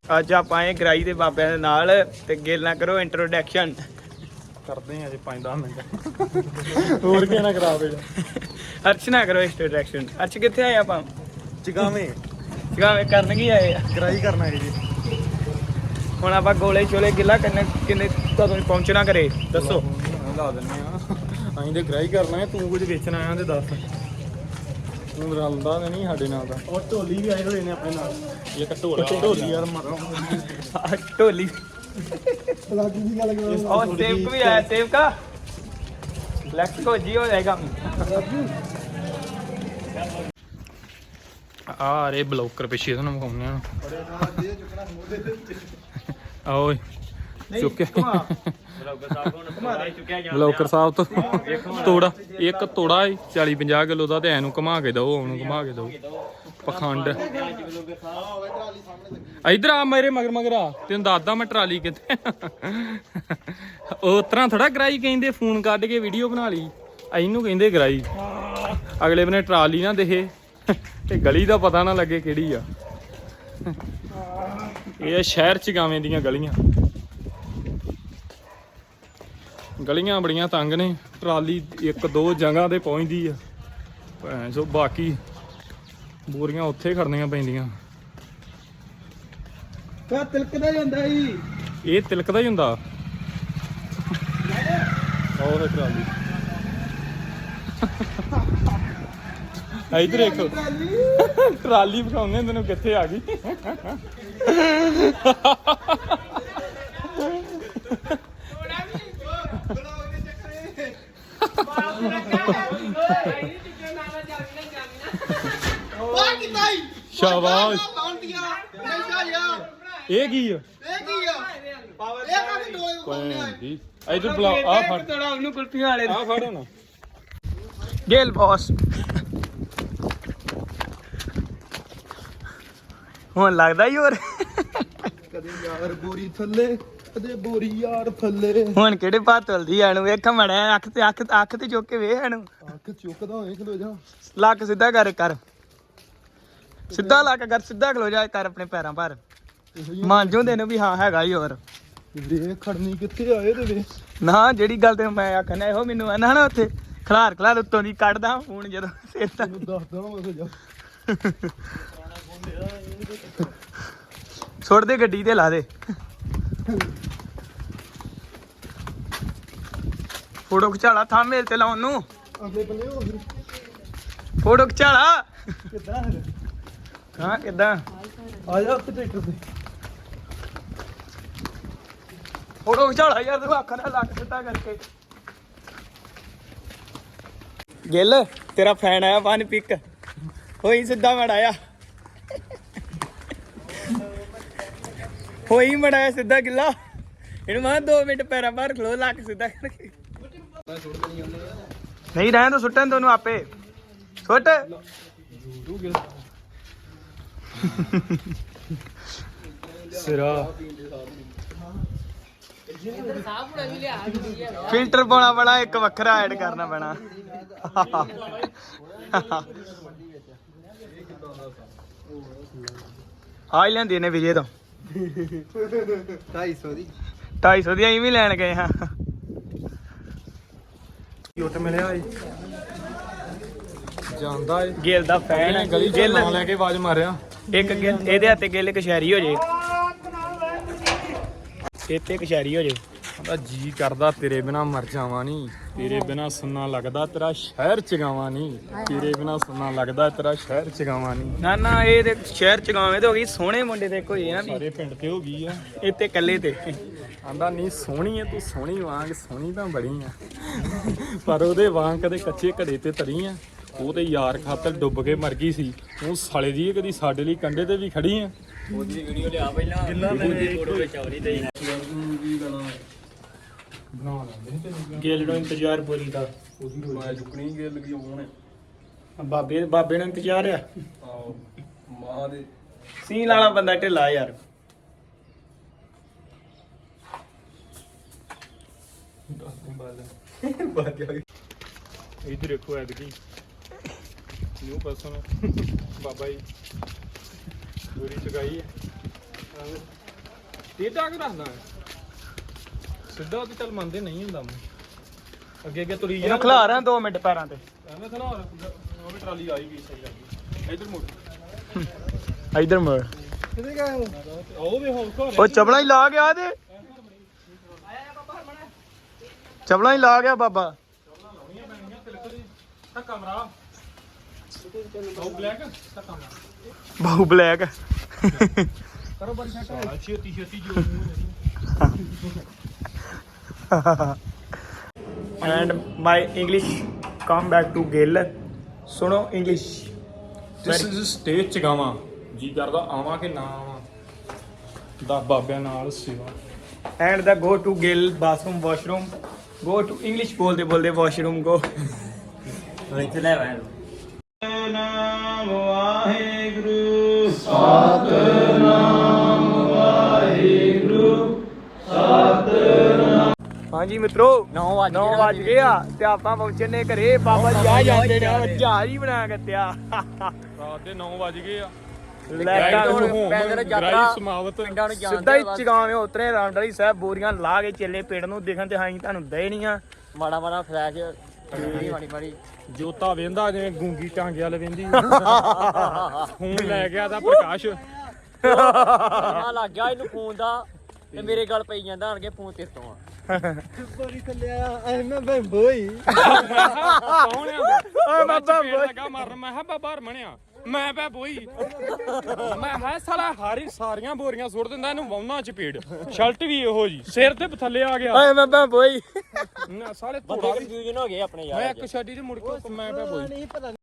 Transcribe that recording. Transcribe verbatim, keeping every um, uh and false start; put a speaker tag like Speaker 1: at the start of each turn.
Speaker 1: ਅੱਜ ਆਪਾਂ ਆਏ ਗਰਾਈ ਦੇ ਬਾਬਿਆਂ ਦੇ ਨਾਲ ਤੇ ਗਿੱਲ ਨਾ ਕਰੋ ਇੰਟਰੋਡਕਸ਼ਨ
Speaker 2: ਕਰਦੇ ਆ ਜੀ ਪੰਜ ਦਸ ਮਿੰਟ ਹੋਰ ਕੀ ਨਾ ਕਰਾਵੇ
Speaker 1: ਅਰਸ਼ ਨਾ ਕਰੋ ਇੰਟਰੋਡਕਸ਼ਨ। ਅਰਸ਼ ਕਿੱਥੇ ਆਏ ਆਪਾਂ?
Speaker 2: ਚਗਾਵੇਂ
Speaker 1: ਚਗਾਵੇਂ ਕਰਨ ਕੀ ਆਏ ਆ?
Speaker 2: ਗਰਾਈ ਕਰਨਾ ਹੈ ਜੀ।
Speaker 1: ਹੁਣ ਆਪਾਂ ਗੋਲੇ ਛੋਲੇ ਗਿੱਲਾ ਕਿੰਨੇ ਕਿੰਨੇ ਤੁਹਾਨੂੰ ਪਹੁੰਚਣਾ ਕਰੇ ਦੱਸੋ?
Speaker 2: ਲਾ ਦਿੰਦੇ ਆ ਅਸੀਂ ਤੇ ਗਰਾਈ ਕਰਨਾ ਹੈ, ਤੂੰ ਕੁਝ ਵੇਚਣ ਆਇਆ ਤੇ ਦੱਸ। ਤੂੰ ਰਲਦਾ ਨਹੀਂ ਸਾਡੇ ਨਾਲ ਦਾ। ਉਹ ਢੋਲੀ ਵੀ ਆਏ ਹੋਏ ਨੇ ਆਪਣੇ ਨਾਲ। ਇੱਕ ਢੋਲਾ ਢੋਲੀ ਯਾਰ ਮਾਰੋ
Speaker 1: ਢੋਲੀ
Speaker 2: ਲਾਗੀ ਦੀ ਗੱਲ ਕਰੋ।
Speaker 1: और सेव भी आया, सेव का फ्लेक्स को जी हो जाएगा।
Speaker 2: ਆ ਰੇ ਬਲੌਕਰ ਪਿੱਛੇ ਤੁਹਾਨੂੰ ਮਖਾਉਂਦੇ ਆ। ਆਓ ਚੁੱਕੇ ਬਲੌਕਰ ਸਾਹਿਬ ਤੋਂ ਤੋੜਾ ਇੱਕ ਤੋੜਾ ਚਾਲੀ ਪੰਜਾਹ ਕਿਲੋ ਦਾ ਤੇ ਐਨੂੰ ਘੁਮਾ ਕੇ ਦਓ, ਉਹਨੂੰ ਘੁਮਾ ਕੇ ਦਓ। ਪਖੰਡ ਇਧਰ ਆ ਮੇਰੇ ਮਗਰ ਮਗਰ ਆ, ਤੈਨੂੰ ਦੱਸਦਾ ਮੈਂ ਟਰਾਲੀ ਕਿੱਥੇ। ਉਹ ਤਰ੍ਹਾਂ ਥੋੜਾ ਗਰਾਈ ਕਹਿੰਦੇ, ਫੋਨ ਕੱਢ ਕੇ ਵੀਡੀਓ ਬਣਾ ਲਈ। ਇਹਨੂੰ ਕਹਿੰਦੇ ਗਰਾਈ। ਅਗਲੇ ਬਨੇ ਟਰਾਲੀ ਨਾ ਦਿਖੇ ਤੇ ਗਲੀ ਦਾ ਪਤਾ ਨਾ ਲੱਗੇ ਕਿਹੜੀ ਆ। ਇਹ ਸ਼ਹਿਰ ਚਗਾਵੇਂ ਦੀਆਂ ਗਲੀਆਂ ਗਲੀਆਂ ਬੜੀਆਂ ਤੰਗ ਨੇ। ਟਰਾਲੀ ਇੱਕ ਦੋ ਜਗ੍ਹਾ ਤੇ ਪਹੁੰਚਦੀ ਆ, ਭੈਣ ਚੋ ਬਾਕੀ ਬੋਰੀਆਂ ਉੱਥੇ ਖੜਨੀਆਂ ਪੈਂਦੀਆਂ।
Speaker 1: ਕਾ ਤਿਲਕਦਾ ਜਾਂਦਾ ਜੀ,
Speaker 2: ਇਹ ਤਿਲਕਦਾ ਹੀ ਹੁੰਦਾ। ਉਹ ਟਰਾਲੀ ਇਧਰ ਦੇਖੋ, ਟਰਾਲੀ ਵਿਖਾਉਂਦੇ ਤੈਨੂੰ ਕਿੱਥੇ ਆ ਗਈ। ਸ਼ਾਬਾਸ਼। ਇਹ ਕੀ ਆ? ਇਧਰ ਬੁਲਾ ਆ ਫੜ
Speaker 1: ਤੋੜਾ ਉਹਨੂੰ ਕੁਲਫੀਆਂ ਵਾਲੇ
Speaker 2: ਆ ਫੜ ਹੁਣ।
Speaker 1: ਗੇਲ ਬੌਸ ਹੁਣ ਲੱਗਦਾ ਹੀ ਹੋਰ
Speaker 2: ਕਦੇ ਯਾਰ ਬੋਰੀ ਥੱਲੇ, ਕਦੇ ਬੋਰੀ ਯਾਰ ਥੱਲੇ।
Speaker 1: ਹੁਣ ਕਿਹੜੇ ਭਾਅ ਤੁਲਦੀ ਐ ਨੂੰ ਵੇਖ ਮੜਿਆ। ਅੱਖ ਤੇ ਅੱਖ ਅੱਖ ਤੇ ਚੁੱਕ ਕੇ ਵੇਖ ਇਹਨੂੰ।
Speaker 2: ਅੱਖ ਚੁੱਕਦਾ ਹੋਏ ਖਲੋ ਜਾ।
Speaker 1: ਲੱਕ ਸਿੱਧਾ ਕਰ ਕਰ, ਸਿੱਧਾ ਲੱਕ ਕਰ, ਸਿੱਧਾ ਖਲੋ ਜਾ ਕਰ ਆਪਣੇ ਪੈਰਾਂ ਪਰ। ਮੰਨ ਜੂੰਦੇ ਨੇ ਵੀ ਹਾਂ ਹੈਗਾ ਹੀ ਹੋਰ।
Speaker 2: ਵੇ ਖੜਨੀ ਕਿੱਥੇ ਆਏ ਤੇ ਵੇ
Speaker 1: ਨਾ ਜਿਹੜੀ ਗੱਲ ਤੇ ਮੈਂ ਆਖਣਾ ਇਹੋ ਮੈਨੂੰ ਆਨਾ ਨਾ ਉੱਥੇ ਖਲਾਰ ਖਲਾਰ ਉੱਤੋਂ ਦੀ ਕੱਢਦਾ ਫੋਨ ਜਦੋਂ ਸਿਰ ਤਾਂ
Speaker 2: ਦੱਸਦਾ ਮੈਂ ਜਾ।
Speaker 1: ਸੁੱਟ ਦੇ ਗੱਡੀ ਤੇ ਲਾ ਦੇ। ਫੋਟੋ ਖਿਚਾਲਾ ਥਾਂ ਮੇਲ ਤੇ ਲਾਉਣ ਨੂੰ।
Speaker 2: ਅਗਲੇ ਬੰਨੇ ਹੋ ਫਿਰ
Speaker 1: ਫੋਟੋ ਖਿਚਾਲਾ।
Speaker 2: ਕਿੱਦਾਂ
Speaker 1: ਹਾਂ ਕਿੱਦਾਂ
Speaker 2: ਆ ਜਾ ਉੱਤੇ ਟਰੈਕਟਰ ਤੇ।
Speaker 1: ਫੋਟੋ ਖਿਚਾਲਾ ਯਾਰ, ਤੂੰ ਅੱਖ ਨਾਲ ਲੱਕ ਸਿੱਧਾ ਕਰਕੇ। ਗਿੱਲ ਤੇਰਾ ਫੈਨ ਆਇਆ ਵਨ ਪਿਕ ਹੋਈ ਸਿੱਧਾ ਮੜਾਇਆ, ਹੋਈ ਮੜਾਇਆ ਸਿੱਧਾ ਗਿੱਲਾ। ਇਹਨੂੰ ਮੈਂ ਦੋ ਮਿੰਟ ਪੈਰਾਂ ਬਾਹਰ ਖਲੋ, ਲੱਕ ਸਿੱਧਾ ਕਰਕੇ। ਨਹੀਂ ਰਹਿਣ ਤਾਂ ਸੁੱਟਣ ਤੈਨੂੰ ਆਪੇ ਸੁੱਟ।
Speaker 2: ਸਿਰਾ
Speaker 1: ਫਿਲਟਰ ਪਾਉਣਾ ਪੈਣਾ, ਇੱਕ ਵੱਖਰਾ ਐਡ ਕਰਨਾ ਪੈਣਾ। ਆ ਹੀ ਲੈਂਦੀ ਨੇ ਵਿਜੇ ਤੋਂ
Speaker 2: ਢਾਈ ਸੌ ਦੀ
Speaker 1: ਢਾਈ ਸੌ ਦੀ ਅਸੀਂ ਵੀ ਲੈਣ ਗਏ ਹਾਂ।
Speaker 2: ਉੱਟ ਮਿਲਿਆ ਏ ਜਾਂਦਾ ਏ।
Speaker 1: ਗਿੱਲ ਦਾ ਫੈਨ ਹੈ।
Speaker 2: ਗਲੀ ਚ ਨਾਂ ਲੈ ਕੇ ਆਵਾਜ਼ ਮਾਰਿਆ।
Speaker 1: ਇੱਕ ਗਿੱਲ ਇਹਦੇ ਹੱਥੇ ਗਿੱਲ ਕਸ਼ਹਿਰੀ ਹੋ ਜੇ, ਇੱਥੇ ਕਸ਼ਹਿਰੀ ਹੋ ਜੇ।
Speaker 2: ਉਹਦਾ ਜੀ ਕਰਦਾ ਤੇਰੇ ਬਿਨਾ ਮਰ ਜਾਵਾਂ ਨੀ, ਤੇਰੇ ਬਿਨਾ ਸੁਣਨਾ ਲੱਗਦਾ ਤੇਰਾ ਸ਼ਹਿਰ ਚਗਾਵਾਂ ਨੀ, ਤੇਰੇ ਬਿਨਾ ਸੁਣਨਾ ਲੱਗਦਾ ਤੇਰਾ ਸ਼ਹਿਰ ਚਗਾਵਾਂ ਨੀ।
Speaker 1: ਨਾ ਨਾ ਇਹ ਤੇ ਸ਼ਹਿਰ ਚਗਾਵੇਂ ਤੇ ਹੋ ਗਈ, ਸੋਹਣੇ ਮੁੰਡੇ ਤੇ ਕੋਈ ਨਾ ਵੀ
Speaker 2: ਸਾਰੇ ਪਿੰਡ ਤੇ ਹੋ ਗਈ ਆ।
Speaker 1: ਇੱਥੇ ਇਕੱਲੇ ਤੇ
Speaker 2: ਆਂਦਾ ਨਹੀਂ ਸੋਹਣੀ ਐ ਤੂੰ, ਸੋਹਣੀ ਵਾਂਗ ਸੋਹਣੀ ਤਾਂ ਬੜੀ ਆ, ਪਰ ਉਹਦੇ ਵਾਂਗ ਕਦੇ ਕੱਚੇ ਘੜੇ ਤੇ ਤਰੀ ਆ। ਉਹ ਤੇ ਯਾਰ ਖਾਤਰ ਡੁੱਬ ਕੇ ਮਰ ਗਈ ਸੀ। ਉਹ ਸਾਲੇ ਦੀ ਕਦੀ ਸਾਡੇ ਲਈ ਕੰਢੇ ਤੇ ਵੀ ਖੜੀ ਆ।
Speaker 1: ਉਹਦੀ ਵੀਡੀਓ ਲਿਆ ਪਹਿਲਾਂ, ਉਹਦੀ ਫੋਟੋ ਵਿੱਚ ਆਉਣੀ ਤੇ
Speaker 2: ਬਣਾ ਲੈਂਦੇ
Speaker 1: ਗਿੱਲ ਨੂੰ ਇੰਤਜ਼ਾਰ ਪੂਰੀ ਦਾ।
Speaker 2: ਉਹਦੀ ਰੋਜ਼ ਚੁੱਕਣੀ ਗਿੱਲ ਕੀ ਹੋਣ
Speaker 1: ਬਾਬੇ ਬਾਬੇ ਨੂੰ ਇੰਤਜ਼ਾਰ ਆ।
Speaker 2: ਆਹੋ ਮਾਂ ਦੇ
Speaker 1: ਸੀਨ ਵਾਲਾ ਬੰਦਾ ਢਿੱਲਾ ਯਾਰ।
Speaker 2: इधर देखो ऐदकी न्यू पर्सन बाबा जी पूरी चुकाई है। ਟੇਢਾ ਕਿ ਰੱਖਦਾ ਸਿੱਧਾ ਤੇ ਚੱਲ ਮੰਨਦੇ ਨਹੀਂ ਹੁੰਦਾ ਮੈਂ ਅੱਗੇ ਅੱਗੇ ਤੁਰੀ
Speaker 1: ਇਹਨੂੰ ਖਿਲਾ ਰਿਆ ਦੋ ਮਿੰਟ ਪੈਰਾਂ ਤੇ
Speaker 2: ਐਵੇਂ ਤਾਂ ਨਾ ਉਹ ਵੀ ਟਰਾਲੀ ਆਈ ਗਈ ਸਹੀ ਲੱਗੀ ਇਧਰ ਮੁੜ
Speaker 1: ਇਧਰ ਮੁੜ
Speaker 2: ਕਿੱਥੇ ਗਏ ਉਹ ਵੀ ਹੋਰ ਘਰ
Speaker 1: ਉਹ ਚਪਲਾਂ ਹੀ ਲਾ ਗਿਆ ਤੇ ਚਪਲਾਂ ਹੀ ਲਾ ਗਿਆ ਬਾਬਾ
Speaker 2: ਲਾਉਣੀਆਂ ਪੈਣੀਆਂ ਤਿਲਕ ਦੀ ਤਾਂ ਕਮਰਾ ਉਹ ਬਲੈਕ ਤਾਂ ਕਮਰਾ
Speaker 1: ਬਾਹੂ ਬਲੈਕ
Speaker 2: ਕਰੋ ਬੜੀ ਛੱਟ ਛੇਤੀ ਛੇਤੀ ਜੋ
Speaker 1: and my English come back to Gill ਸੁਣੋ ਇੰਗਲਿਸ਼
Speaker 2: ਦਿਸ ਇਜ਼ ਸਟੇਜ ਚ ਗਾਵਾਂ ਜੀ ਕਰਦਾ ਆਵਾਂ ਕਿ ਨਾ ਆਵਾਂ ਦਸ ਬਾਬਿਆਂ ਨਾਲ ਸੇਵਾ
Speaker 1: ਐਂਡ ਦਾ go to Gill bathroom washroom go to English ਬੋਲਦੇ ਬੋਲਦੇ ਵਾਸ਼ਰੂਮ ਗੋ
Speaker 3: ਇੱਥੇ ਲੈ ਆਇਆ
Speaker 1: ਨਾਮ ਵਾਹਿਗੁਰੂ ਹਾਂਜੀ ਮਿੱਤਰੋ
Speaker 3: ਨੌ ਵੱਜ
Speaker 1: ਨੌ ਵੱਜ ਗਏ ਆ ਤੇ ਆਪਾਂ ਪਹੁੰਚੇ ਨੇ ਘਰੇ ਬਾਬਾ ਜੀ ਆ ਜਾਂਦੇ ਨੇ ਜਹਾਜ਼ ਹੀ ਬਣਾ ਕੇ ਤਿਆ
Speaker 2: ਰਾਤ ਦੇ ਨੌ ਵੱਜ ਗਏ ਆ
Speaker 1: ਲੈਟਾਂ
Speaker 3: ਹੁਣ ਪੈਦਲ ਯਾਤਰਾ
Speaker 2: ਸਮਾਵਤ
Speaker 3: ਪਿੰਡਾਂ ਨੂੰ ਜਾਣ
Speaker 1: ਸਿੱਧਾ ਹੀ ਚਗਾਵੇਂ ਉਤਰੇ ਰਾਂਡਲੀ ਸਾਹਿਬ ਬੋਰੀਆਂ ਲਾ ਕੇ ਚੱਲੇ ਪਿੰਡ ਨੂੰ ਦੇਖਣ ਤੇ ਹਾਂ ਤੁਹਾਨੂੰ ਦੇ ਨਹੀਂ ਆ
Speaker 3: ਮਾੜਾ ਮਾੜਾ ਫਲੈਸ਼ ਨਹੀਂ ਮਾੜੀ ਮਾੜੀ
Speaker 2: ਜੋਤਾ ਵੇਂਦਾ ਜਿਵੇਂ ਗੂੰਗੀ ਟਾਂਗੇ ਵਾਲ ਵੇਂਦੀ ਫੋਨ ਲੈ ਗਿਆ ਤਾਂ ਪ੍ਰਕਾਸ਼
Speaker 3: ਆ ਲੱਗ ਗਿਆ ਇਹਨੂੰ ਫੋਨ ਦਾ ਤੇ ਮੇਰੇ ਗੱਲ ਪਈ ਜਾਂਦਾ ਆਣਗੇ ਫੋਨ ਤੇਰੇ ਤੋਂ ਆ
Speaker 1: ਬੋਰੀ ਥੱਲੇ ਆ ਐ ਮੈਂ ਬਈ ਬੋਈ
Speaker 2: ਕੌਣ ਆ
Speaker 1: ਓਏ ਬਾਬਾ
Speaker 2: ਬੋਈ ਲੱਗਾ ਮਾਰਨ ਮੈਂ ਕਿਹਾ ਬਾਬਾ ਹਰਮਣਿਆ ਮੈਂ ਪੈ ਬੋਈ ਮੈਂ ਹੈ ਸਾਲਾ ਹਾਰੀ ਸਾਰੀਆਂ ਬੋਰੀਆਂ ਸੁੱਟ ਦਿੰਦਾ ਇਹਨੂੰ ਵਾਉਣਾ ਚਪੇੜ ਸ਼ਰਟ ਵੀ ਇਹੋ ਜੀ ਸਿਰ ਤੇ ਥੱਲੇ ਆ ਗਿਆ
Speaker 1: ਓਏ ਬਾਬਾ ਬੋਈ
Speaker 2: ਨਾ ਸਾਲੇ
Speaker 3: ਬੰਦੇ
Speaker 2: ਧੋੜਾ
Speaker 3: ਕਨਫਿਊਜ਼ਨ ਹੋ ਗਏ ਆਪਣੇ ਯਾਰ
Speaker 2: ਮੈਂ ਇੱਕ ਛੱਡੀ ਤੇ ਮੁੜ ਕੇ ਮੈਂ ਪੈ ਬੋਈ